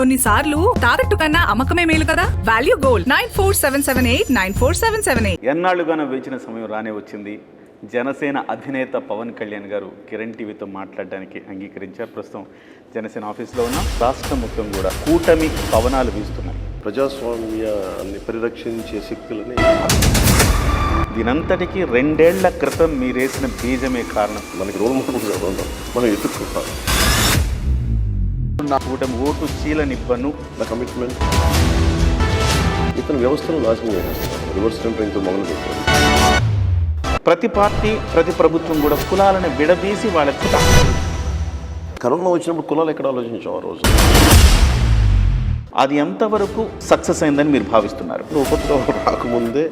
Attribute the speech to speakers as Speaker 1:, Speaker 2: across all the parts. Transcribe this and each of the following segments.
Speaker 1: కొన్నిసార్లు తాకట్టు కన్నా అమ్మకమే మేలు కదా. Value gold 9477894778.
Speaker 2: ఎన్నాళ్లుగానో వేచిన సమయం రానే వచ్చింది. జనసేన అధినేత పవన్ కళ్యాణ్ గారు కిరణ్ టీవీతో మాట్లాడడానికి అంగీకరించారు. ప్రస్తుతం జనసేన ఆఫీస్లో ఉన్న రాష్ట్రం మొత్తం కూడా కూటమి పవనాలు వీస్తున్నాయి.
Speaker 3: ప్రజాస్వామ్యాన్ని పరిరక్షించే శక్తులని
Speaker 2: దీనంతటికీ 2 ఏళ్ల క్రితం మీరేసిన బీజమే కారణం.
Speaker 3: మనకి రోల్ మోడల్గా ఉందాం, మనం ఎదుర్కొంటాం.
Speaker 2: నా కూటమి ఓటు చీలనివ్వను.
Speaker 3: నా కమిట్మెంట్ ఇతను వ్యవస్థను నాశనం చేసేస్తారు. రివర్స్ టెంపరింగ్తో మొదలు పెట్టారు.
Speaker 2: ప్రతి పార్టీ ప్రతి ప్రభుత్వం కూడా కులాలను విడదీసి వాళ్ళకి
Speaker 3: కరోనా వచ్చినప్పుడు కులాలు ఎక్కడ ఆలోచించాం ఆ రోజు.
Speaker 2: అది ఎంతవరకు సక్సెస్ అయిందని మీరు భావిస్తున్నారు?
Speaker 3: ఉపద్రవం రాకముందే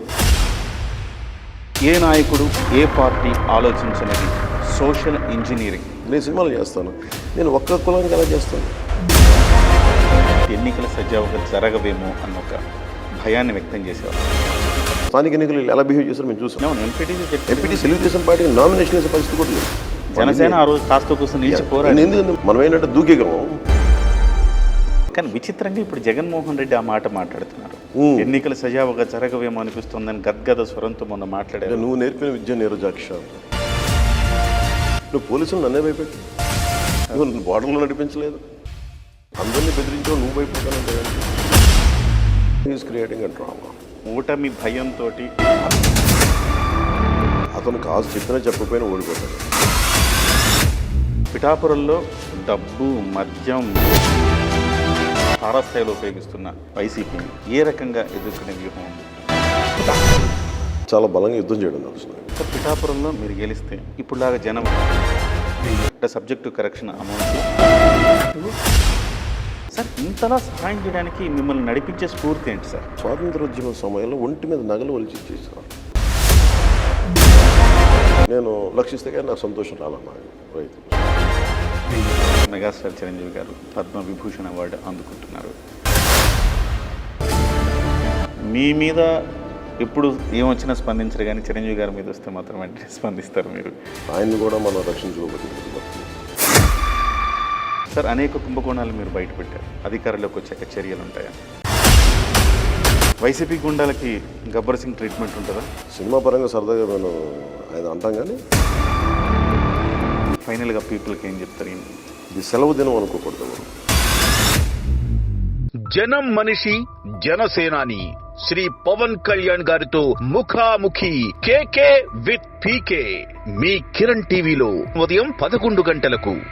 Speaker 2: ఏ నాయకుడు ఏ పార్టీ ఆలోచించినది సోషల్ ఇంజనీరింగ్.
Speaker 3: నేను సినిమాలు చేస్తాను, నేను ఒక్క కులానికి ఎలా చేస్తాను?
Speaker 2: ఎన్నికల సజావుగా జరగవేమో అన్న ఒక భయాన్ని వ్యక్తం చేసేవారు.
Speaker 3: స్థానిక ఎన్నికలు ఎలా బిహేవ్ చేస్తారో మేము చూసాం. ఎంపీటీ తెలుగుదేశం పార్టీకి నామినేషన్ వేసే పరిస్థితి కూడా లేదు.
Speaker 2: జనసేన ఆ రోజు కాస్త కోసం నిలిచి పోరాడు.
Speaker 3: ఎందుకంటే మనం ఏంటంటే దూకేగలం.
Speaker 2: కానీ విచిత్రంగా ఇప్పుడు జగన్మోహన్ రెడ్డి ఆ మాట మాట్లాడుతున్నారు. ఎన్నికల సజావుగా జరగవేమో అనిపిస్తుందని గద్గద స్వరంతో మొన్న మాట్లాడారు.
Speaker 3: నువ్వు నేర్పిన విద్య నీరజాక్ష. నువ్వు పోలీసులు నన్నే భయపెట్టి నువ్వు బార్డర్లో నడిపించలేదు, అందరినీ బెదిరించావు, నువ్వు భయపడతానంటే ఈజ్ క్రియేటింగ్ అండ్ డ్రామా.
Speaker 2: ఓటమి భయంతో
Speaker 3: అతను కాదు చెప్పినా చెప్పకపోయినా ఓడిపోతాడు.
Speaker 2: పిఠాపురంలో డబ్బు మద్యం తారాస్థాయిలో ఉపయోగిస్తున్న వైసీపీని ఏ రకంగా ఎదుర్కొనే వ్యూహం ఉంది?
Speaker 3: చాలా బలంగా యుద్ధం చేయడం తెలుసు.
Speaker 2: పిఠాపురంలో మీరు గెలిస్తే ఇప్పుడులాగా జనం సబ్జెక్టు కరెక్షన్ అమౌంట్ సార్ ఇంతలా సహాయం చేయడానికి మిమ్మల్ని నడిపించే స్ఫూర్తి ఏంటి సార్?
Speaker 3: స్వాతంత్రోద్యమ సమయంలో ఒంటి మీద నగలు ఒలిచి ఇచ్చేసాను. నేను లక్షిస్తే కానీ నాకు సంతోషం రాలన్నా. రైతు
Speaker 2: మెగాస్టార్ చిరంజీవి గారు పద్మ విభూషణ్ అవార్డు అందుకుంటున్నారు. మీ మీద ఎప్పుడు ఏమొచ్చినా స్పందించరు, కానీ చిరంజీవి గారి మీద వస్తే మాత్రం వెంటనే స్పందిస్తారు మీరు.
Speaker 3: ఆయన్ని కూడా మనం రక్షించుకోబోతుంది
Speaker 2: సార్. అనేక కుంభకోణాలు మీరు బయటపెట్టారు. అధికారులకు వచ్చాక చర్యలు ఉంటాయా? వైసీపీ గుండాలకి గబ్బర్ సింగ్ ట్రీట్మెంట్ ఉంటుందా?
Speaker 3: సినిమా పరంగా సరదాగా నేను ఆయన అంటాం, కానీ
Speaker 2: ఫైనల్గా పీపుల్కి ఏం చెప్తారు?
Speaker 3: ఇది సెలవు దినం అనుకోకూడదు.
Speaker 4: జనం మనిషి జనసేనాని శ్రీ పవన్ కళ్యాణ్ గారితో ముఖాముఖి కేకే విత్ పీకే మీ కిరణ్ టీవీలో ఉదయం 11 గంటలకు.